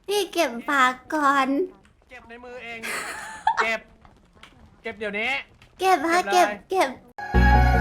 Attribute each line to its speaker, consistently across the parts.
Speaker 1: พี่เก็บฝากก่อน
Speaker 2: เก็บในมือเอง เก็บ เก็บเดี๋ยวนี้
Speaker 1: เก็บฮะ
Speaker 2: เก็
Speaker 1: เก็
Speaker 2: บบ เลย
Speaker 1: เก็บ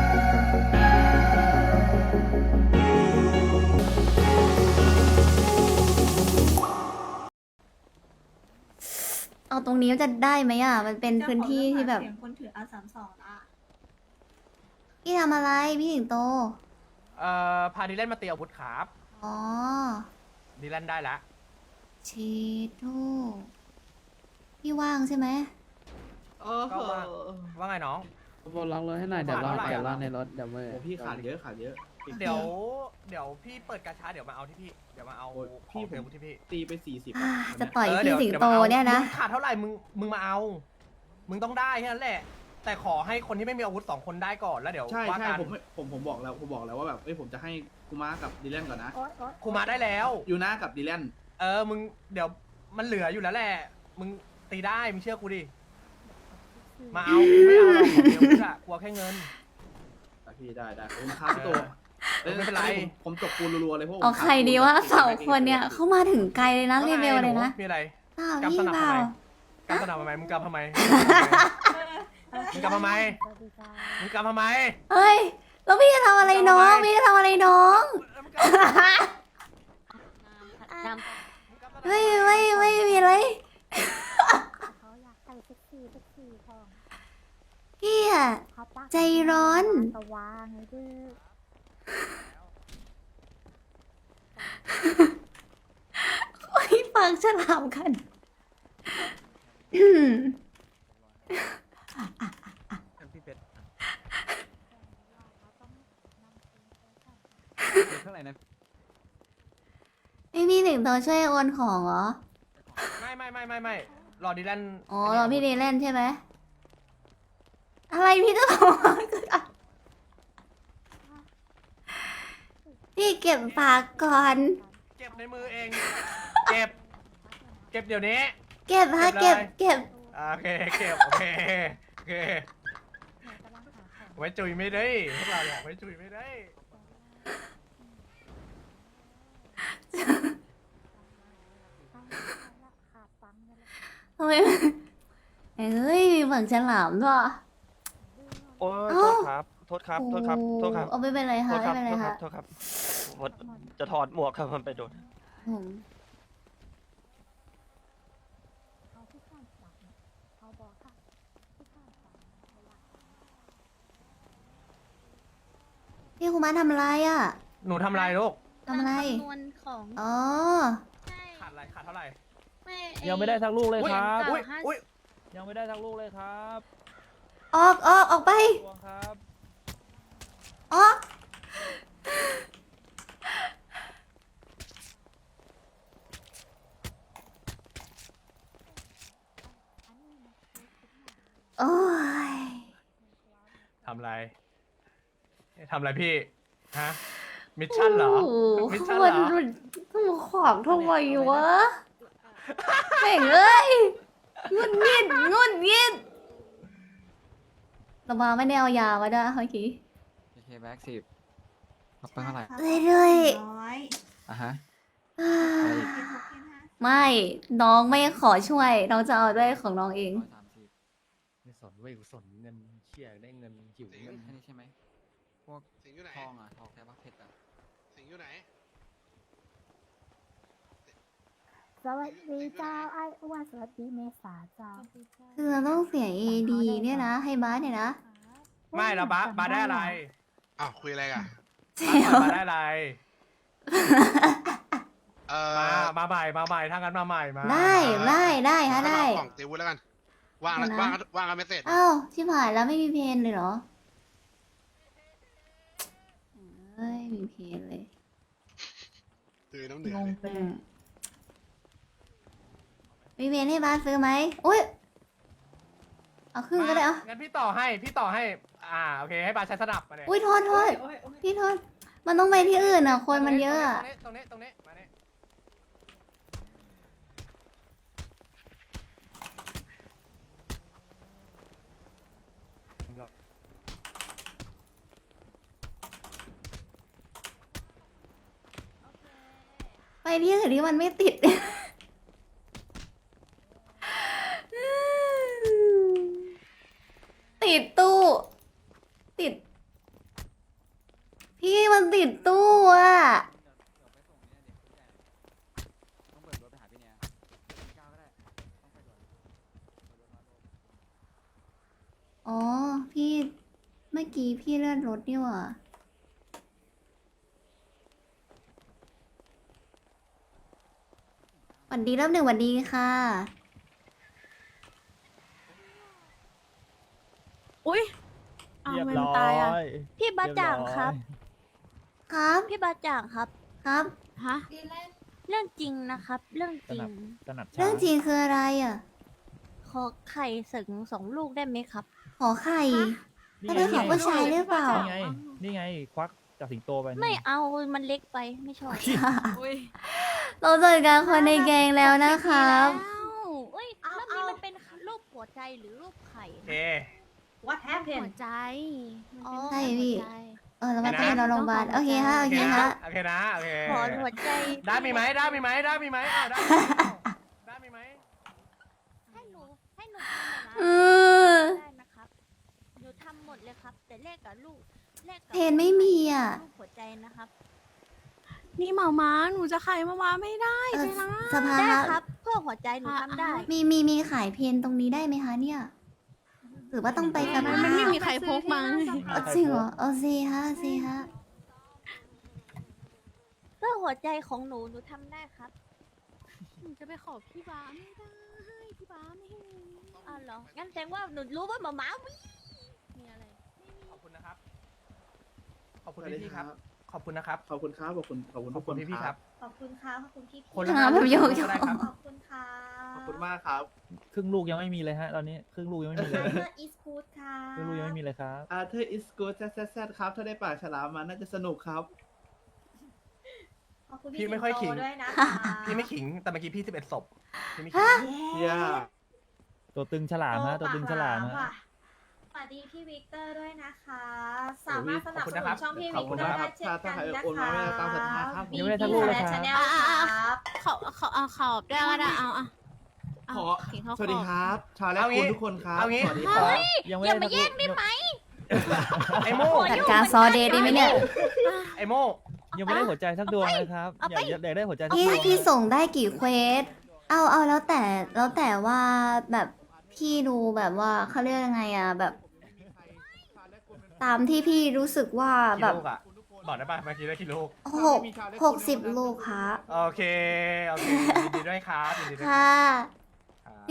Speaker 1: เอาตรงนี้จะได้ไหมอ่ะ มันเป็นพื้นที่ที่แบบ
Speaker 3: เสียงคนถือ R32ละ
Speaker 1: พี่ทำอะไรพี่สิงโต
Speaker 2: พาดิแลนมาตีอาวุธครับ
Speaker 1: อ๋อ
Speaker 2: ดิแลนได้ละ
Speaker 1: ชีทูพี่ว่างใช่ไหม
Speaker 2: ก็ว่าไงน้อง
Speaker 4: บนล็อกรถให้หน่อยเดี๋ยวรอ
Speaker 2: เท่าไหร่
Speaker 4: เดี๋ยวรอ
Speaker 2: อะ
Speaker 4: ในรถเดี๋ยวเมื่อ
Speaker 5: โอ้พี่ขาดเยอะขาดเยอะ
Speaker 2: เดี๋ยวพี่เปิดกาชาเดี๋ยวมาเอาที่พี่ เดี๋ยวมาเอา
Speaker 5: โอ้ย
Speaker 2: พี่
Speaker 5: พี่
Speaker 2: เทอาวุธที่พี่
Speaker 5: ตีไป40
Speaker 1: อ่า
Speaker 5: อะ
Speaker 1: จะต่อย
Speaker 2: เดี๋
Speaker 1: พี่
Speaker 2: ว
Speaker 1: สิง
Speaker 2: ดี๋ว
Speaker 1: โต
Speaker 2: มาอา
Speaker 1: เนี่ยนะ
Speaker 2: มึงขาดเท่าไหร่มึงมาเอา มึงต้องได้แค่นั้นแหละ แต่ขอให้คนที่ไม่มีอาวุธ2 คนได้ก่อนแล้วเดี๋ยว
Speaker 5: ใช่
Speaker 2: ว่า
Speaker 5: ใช่
Speaker 2: กัน
Speaker 5: ผมบอกแล้วว่าแบบผมจะให้คูมากับดีแลนก่อนนะ
Speaker 2: ครูมาได้แล้ว
Speaker 5: ยูนากับดีแลน
Speaker 2: มึงเดี๋ยวมันเหลืออยู่แล้วแหละ มึงตีได้มึงเชื่อกูดิ มาเอากูไม่เอาหรอกเดี๋ยวกูจะกลัวแค่เงิน
Speaker 5: พี่ได้ผมค้าพี่โต
Speaker 2: ไม่เป็นไร
Speaker 5: ผมจบปูนรัวๆเลยพวก
Speaker 1: เอาใครดีว่า2 คนเนี่ยเข้ามาถึงไกลเลยนะเลเวลเลยนะ
Speaker 2: มีอะไร
Speaker 1: เปล่า
Speaker 2: กำส
Speaker 1: พี่
Speaker 2: นับ
Speaker 1: เป
Speaker 2: ทำ
Speaker 1: ล่า
Speaker 2: ไมกำสนับทำไมมึงกำทำไมมึงกำทำไมมึงกำทำไม
Speaker 1: เฮ้ย แล้วพี่จะทำอะไรน้องพี่จะทำอะไรน้อง เฮ้ยไม่มีอะไร
Speaker 6: เขาอยากใส่เซ็กซี่ของ
Speaker 1: พี่อะ
Speaker 6: เขาปัก
Speaker 1: ใจร้อน
Speaker 6: ตะวางไงดื้อ
Speaker 1: โอ้ยปากฉลามกัน
Speaker 4: พี่เพชรเท่าไหร่นะ
Speaker 1: ไม่มีสิงโตช่วยโอนของเหรอ
Speaker 2: ไม่รอดีแลน
Speaker 1: อ๋อเราพี่เดเล่นใช่ไหม อะไรพี่จะทำพี่เก็บฝากก่อน
Speaker 2: เก็บในมือเอง เก็บ เก็บเดี๋ยวนี้
Speaker 1: เก็บฮะ
Speaker 2: เก็
Speaker 1: เก็
Speaker 2: บบ เลย
Speaker 1: เก็บ
Speaker 2: โอเคเก็บโอเคไว้จุยไม่ได้พวกเราอยากไว้จุยไม่ได้
Speaker 6: ขาดฟังกันแล้ว
Speaker 1: ทำไมเอ้ยมีฝั่งฉลามด้วย
Speaker 7: โอ้ย
Speaker 1: เอ้า
Speaker 7: โทษครับ โทษครับ โทษครับ
Speaker 1: เอาไม่เป็นไร
Speaker 7: โท
Speaker 1: ค่ะ
Speaker 7: ษครับ
Speaker 1: ไม่เป็นไร
Speaker 7: โทษครั
Speaker 1: ค่ะ
Speaker 7: บ โทษครับผมจะถอดหมวกครับมันไปโดน
Speaker 1: ผม
Speaker 6: เขาที่ข้างฝังเขาบอกค่ะที่ข้างฝังเวลา
Speaker 1: พี่คุมาทำอะไรอ่ะ
Speaker 2: หนูทำอะไรลูก
Speaker 1: ทำอะไร
Speaker 3: คำนวณของ
Speaker 1: อ๋อ
Speaker 3: ใช่
Speaker 2: ขาดอะไรขาดเท่าไหร่
Speaker 3: ไม่อ้
Speaker 4: ยังไม่ได้สักลูกเลยครับ
Speaker 2: อุ้ยอุ้ย
Speaker 4: ยังไม่ได้สักลูกเลยครับ
Speaker 1: ออกไป
Speaker 4: ทวงครับ
Speaker 1: ออกโอ้ย
Speaker 2: ทำอะไรทำอะไรพี่ ฮะ มิชชั่นเหรอ
Speaker 1: โโ
Speaker 2: มิชชั่นเหรอ
Speaker 1: มันขวางทำไมวะแม่งเอ้ยงุดหงิดเรามาไม่ได้เอายามาด้วยเมื่อกี้
Speaker 4: โอเคแบ็ก10เอาไปเท่าไหร่
Speaker 1: เรื่อย
Speaker 3: ร้อย
Speaker 4: อ่ะฮะ
Speaker 1: ๆอ่า
Speaker 4: ไปอีก
Speaker 3: เป็นหกเป็นห้า
Speaker 1: ไม่น้องไม่ขอช่วย น้องจะเอาด้วยของน้องเอง
Speaker 4: 130
Speaker 2: ไม่สนเว้ยกูสนเงินเชี่ยได้เงินหิวเงิน
Speaker 4: อันนี้ใช่ไหมพวก
Speaker 8: สิงอยู่ไหน
Speaker 4: ทองอ่ะทองแท้ปะเพชรอ่ะ
Speaker 8: สิงอยู่ไหน
Speaker 6: สวัสดีเจ้าไอ้อ้วนสวัสดีเมษาเจ้า
Speaker 1: คือเราต้องเสีย AD เนี่ยนะ ให้บาสเนี่ยนะ
Speaker 2: ไม่แล้วบาได้อะไร
Speaker 8: อ้าว คุยอะไรกัน
Speaker 1: เสียว
Speaker 2: บาได้อะไร
Speaker 8: เอ
Speaker 2: มาใหม่ถ้างั้นมาใหม่มา
Speaker 1: ได้ฮะได้
Speaker 8: กล่องตีวุ้นแล้วกัน ว่างแล้ว
Speaker 1: เดี๋ยวนะ
Speaker 8: ว่างกันไม่เสร็จ
Speaker 1: อ้าวชิบหายแล้วไม่มีเพนเลยเหรอเอ้ยมีเพนเลย
Speaker 8: ตื่นน้ำเหนือง
Speaker 1: ง
Speaker 8: เลย
Speaker 1: ไปเลยมีเพนให้บาสซื้อไหมอุ้ยเอาครึ่งก็ได้เอา
Speaker 2: งั้นพี่ต่อให้ โอเค ให้บาใช้สนับมาเนี่ย
Speaker 1: อุ้ยโทษพี่โทษมันต้องไปที่อื่นอ่ะ คนมันเยอะอะ
Speaker 2: ตรงนี้มาเนี่ย
Speaker 1: ไปที่อื่นที่มันไม่ติดกี้พี่เลื่อนรถนี่หว่าหวันดีเริ่มหนึ่งหวันดีค่ะ
Speaker 6: อุ้ยอ้าวมันตายอ่ะ พี่บาจ่างครับ
Speaker 1: ครับ
Speaker 6: พี่บาจ่างครับ
Speaker 1: ครับ
Speaker 6: ฮะ เรื่องจริงนะครับ เรื่องจริง
Speaker 1: เรื่องจริงคืออะไรอ่ะ
Speaker 6: ขอไข่สึง2 ลูกได้ไหมครับ
Speaker 1: ขอไข่ถ้าเป็นของผู้ชายหรือเปล่า
Speaker 9: นี่ไง ควักจากสิงโตไป
Speaker 6: ไม่เอา มันเล็กไป ไม่ชอบ
Speaker 1: เราเจอกันคนในแกงแล้วนะครับ
Speaker 6: เอ้ยรอบนี้มันเป็นรูปหัวใจหรือรูปไข่
Speaker 2: โอเค
Speaker 3: What happened
Speaker 6: หัวใจ
Speaker 1: ใช่พี่ แล้วมา
Speaker 2: เห็
Speaker 1: เต้
Speaker 2: น
Speaker 1: น
Speaker 2: นะ
Speaker 1: เราโรงพยาบาลโอเคฮะ โอเคฮะ
Speaker 2: โอเคนะโอเค
Speaker 6: ขอหัวใจ
Speaker 2: ได้มีไหมได้มีไหมได้มีไหมอ้าวได้มีไหมได้มีไหม
Speaker 6: ให้หนูทำนะ
Speaker 1: เออ
Speaker 6: ได้นะครับ หนูทำหมดเลยครับ แต่เลขกับลูกเลขกับ
Speaker 1: เพนไม่มีอ่ะ
Speaker 6: รูปหัวใจนะครับ
Speaker 10: นี่หมาม้าหนูจะขายหมาม้าไม่ได้
Speaker 1: เออ
Speaker 10: ใช่ไหม
Speaker 1: สภา
Speaker 6: ได้
Speaker 1: ฮะ
Speaker 6: ครับเพื่อหัวใจหนูทำได้
Speaker 1: มีขายเพนตรงนี้ได้ไหมคะเนี่ย หรือว่าต้องไปสภา
Speaker 10: มันไม่มีใครพกมา
Speaker 1: จริงเหรอโอเคฮะโอเคฮะ
Speaker 6: เพื่อหัวใจของหนูทำได้ครับ
Speaker 10: หนูจะไปขอพี่บ้าไม่ได้ พี่บ้าไม่ให้มี
Speaker 6: อ้าวเหรอ งั้นแสดงว่าหนูรู้ว่าหมาม้ามีอะไร
Speaker 2: ขอบคุณนะครับ ขอบคุณพี่ๆครับ ขอบคุณนะครับ
Speaker 5: ขอบคุณครับ ขอบคุณ ขอบคุณ
Speaker 2: ข
Speaker 5: ทุ
Speaker 2: อบ
Speaker 5: ก
Speaker 2: คุ
Speaker 5: คน
Speaker 2: ณพี่ๆครับ
Speaker 3: ขอบคุณค่ะขอบคุณพี่
Speaker 2: คน
Speaker 1: อ่า
Speaker 2: ละ
Speaker 1: แบบโยก
Speaker 2: ก็ได้ครับ
Speaker 3: ขอบคุณค่ะ
Speaker 5: ขอบคุณมากครับ
Speaker 9: ครึ่งลูกยังไม่มีเลยฮะ ตอนนี้ครึ่งลูกยังไม่มีเลย
Speaker 3: เพื่ออีสพูดค่ะ
Speaker 9: ครึ่งลูกยังไม่มีเลยครับ
Speaker 5: Arthur is good แซดครับ ถ้าได้ปากฉลามมาน่าจะสนุกครับ
Speaker 3: ขอบคุณ
Speaker 2: พี่ไม่ค่อยขิง
Speaker 3: สิโตด้วยนะคะ
Speaker 2: พี่ไม่ขิง แต่เมื่อกี้พี่11ศพพี่ไม่ขิง
Speaker 5: ย่า
Speaker 9: ตัวตึงฉลามฮะ ตัวตึงฉลามฮะ
Speaker 3: ว่ะสวัสดีพี่วิกเตอร์ด้วยนะคะ สามารถสนับส
Speaker 2: ขอบคุณ
Speaker 3: นุ
Speaker 2: นะครั
Speaker 3: น
Speaker 2: บ
Speaker 3: ช่องพี่
Speaker 5: ขอ
Speaker 3: วิ
Speaker 5: บ
Speaker 3: ก
Speaker 5: คุณ
Speaker 3: เตอ
Speaker 5: นะ
Speaker 3: ร์
Speaker 5: ครั
Speaker 3: ได้
Speaker 5: บ
Speaker 3: เช่น
Speaker 5: ถ้า
Speaker 3: กัน
Speaker 5: ใคร
Speaker 3: นะ
Speaker 5: โอนมา
Speaker 3: คะ
Speaker 5: ไม่ได้ตามศรัทธาครับ
Speaker 9: ยังไม่ได้สักลูกเลยครับ
Speaker 3: ชาแนลครับ
Speaker 10: ขอบได้ก็ได้เอา
Speaker 5: ขอ
Speaker 10: เขียนเขา
Speaker 5: สวัสดีครับ ชาวและ
Speaker 2: เอางี้
Speaker 5: คุณทุกคนครับ
Speaker 2: เอางี้
Speaker 5: สวัสดีครับ
Speaker 9: ยังไม่
Speaker 6: อย่า
Speaker 9: ได้
Speaker 6: มาแย่งได้ไหม
Speaker 2: ไอโม่
Speaker 1: จัดการซอเดย์ได้ไหมเนี่ย
Speaker 2: ไอโม่
Speaker 9: ยังไม่ได้หัวใจสักดวงเลยครับ อยากได้หัวใจสักด
Speaker 1: พี่
Speaker 9: วง
Speaker 1: พี่ส่งได้กี่เควส เอาแล้วแต่ว่าแบบพี่ดูแบบว่าเขาเรียกยังไงอ่ะแบบ ตามที่พี่รู้สึกว่า
Speaker 2: กี่
Speaker 1: แบบ
Speaker 2: ลูกอ่ะ บอกได้ป่ะเมื่อกี้ได้กี่ลูก
Speaker 1: 60 ลูกค่ะ
Speaker 2: โอเค โอเคยินดีด้วยครับยินดีด้วย
Speaker 1: ค่ะ